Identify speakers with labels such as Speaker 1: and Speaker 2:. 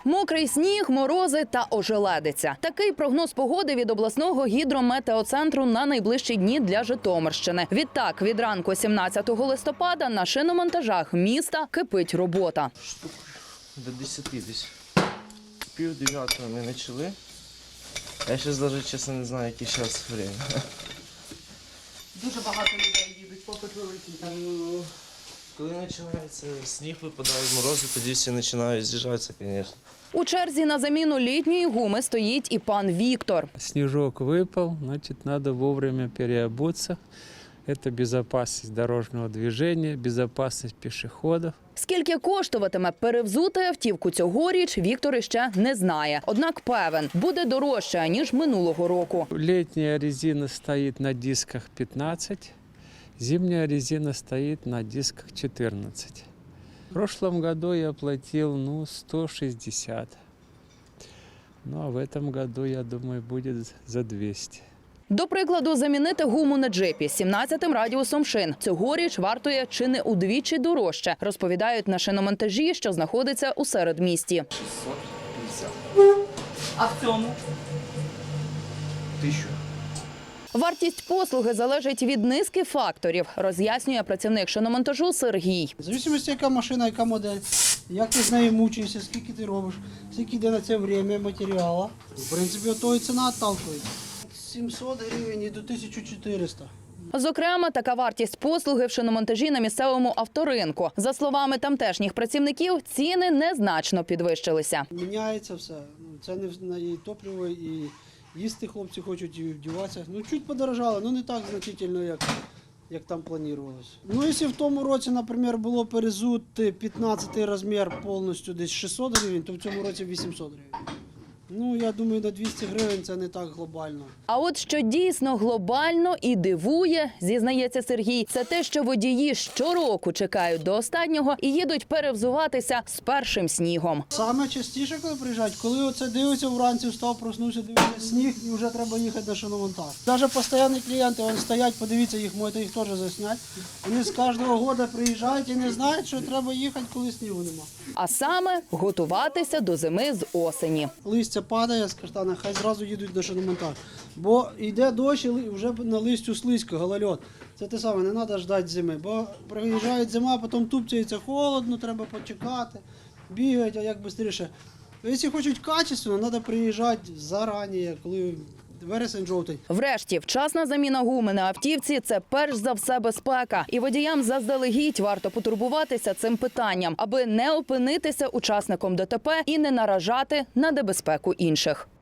Speaker 1: Мокрий сніг, морози та ожеледиця. Такий прогноз погоди від обласного гідрометеоцентру на найближчі дні для Житомирщини. Відтак, від ранку 17 листопада на шиномонтажах міста кипить робота.
Speaker 2: Штук до 10 десь. 8:30 ми почали. Я зараз навіть, чесно, не знаю, яке зараз час.
Speaker 3: Дуже багато людей їдуть, попит великий.
Speaker 2: Коли починається сніг, випадають морози, тоді всі починають з'їжджатися, звісно.
Speaker 1: У черзі на заміну літньої гуми стоїть і пан Віктор.
Speaker 4: Снежок выпал, значит, надо вовремя переобуться. Это безопасность дорожного движения, безопасность пешеходов.
Speaker 1: Скільки коштуватиме перевзути автівку цьогоріч, Віктор іще не знає. Однак певен, буде дорожче, ніж минулого року.
Speaker 4: Летняя резина стоит на дисках 15, зимняя резина стоит на дисках 14. В прошлом году я платил 160. Ну а в этом году, я думаю, будет за 200.
Speaker 1: До прикладу, замінити гуму на джипі з 17-м радіусом шин цьогоріч вартує чи не удвічі дорожче, розповідають на шиномонтажі, що знаходиться у середмісті.
Speaker 2: 650.
Speaker 3: А в цьому?
Speaker 2: 1000.
Speaker 1: Вартість послуги залежить від низки факторів, роз'яснює працівник шиномонтажу Сергій.
Speaker 5: В залежності, яка машина, яка модель, як ти з нею мучаєшся, скільки ти робиш, скільки йде на це час, матеріалу. В принципі, от того і ціна отталкується. 700 гривень і до 1400.
Speaker 1: Зокрема, така вартість послуги в шиномонтажі на місцевому авторинку. За словами тамтешніх працівників, ціни незначно підвищилися.
Speaker 5: Міняється все. Це не і топливо, і їсти хлопці хочуть, і вдіватися. Чуть подорожало, не так значительно, як там планувалося. Якщо в тому році, наприклад, було перезути 15 розмір повністю десь 600 гривень, то в цьому році 800 гривень. Я думаю, на 200 гривень це не так глобально.
Speaker 1: А от що дійсно глобально і дивує, зізнається Сергій, це те, що водії щороку чекають до останнього і їдуть перевзуватися з першим снігом.
Speaker 5: Саме частіше, коли приїжджають, коли оце дивиться вранці, встав, проснувся, дивиться сніг і вже треба їхати на шиномонтаж. Навіть постійні клієнти, вони стоять, подивіться їх, можете їх теж засняти. Вони з кожного року приїжджають і не знають, що треба їхати, коли снігу нема.
Speaker 1: А саме готуватися до зими з осені.
Speaker 5: Листя падає з каштана, хай зразу їдуть на шиномонтаж. Бо йде дощ і вже на листю слизько, голольот. Це те саме, не треба чекати зими. Бо приїжджає зима, потім тупцяється холодно, треба почекати, бігають, а як швидше. Якщо хочуть качественно, треба приїжджати зарані, коли вересень-жовтень.
Speaker 1: Врешті, вчасна заміна гуми на автівці – це перш за все безпека. І водіям заздалегідь варто потурбуватися цим питанням, аби не опинитися учасником ДТП і не наражати на небезпеку інших.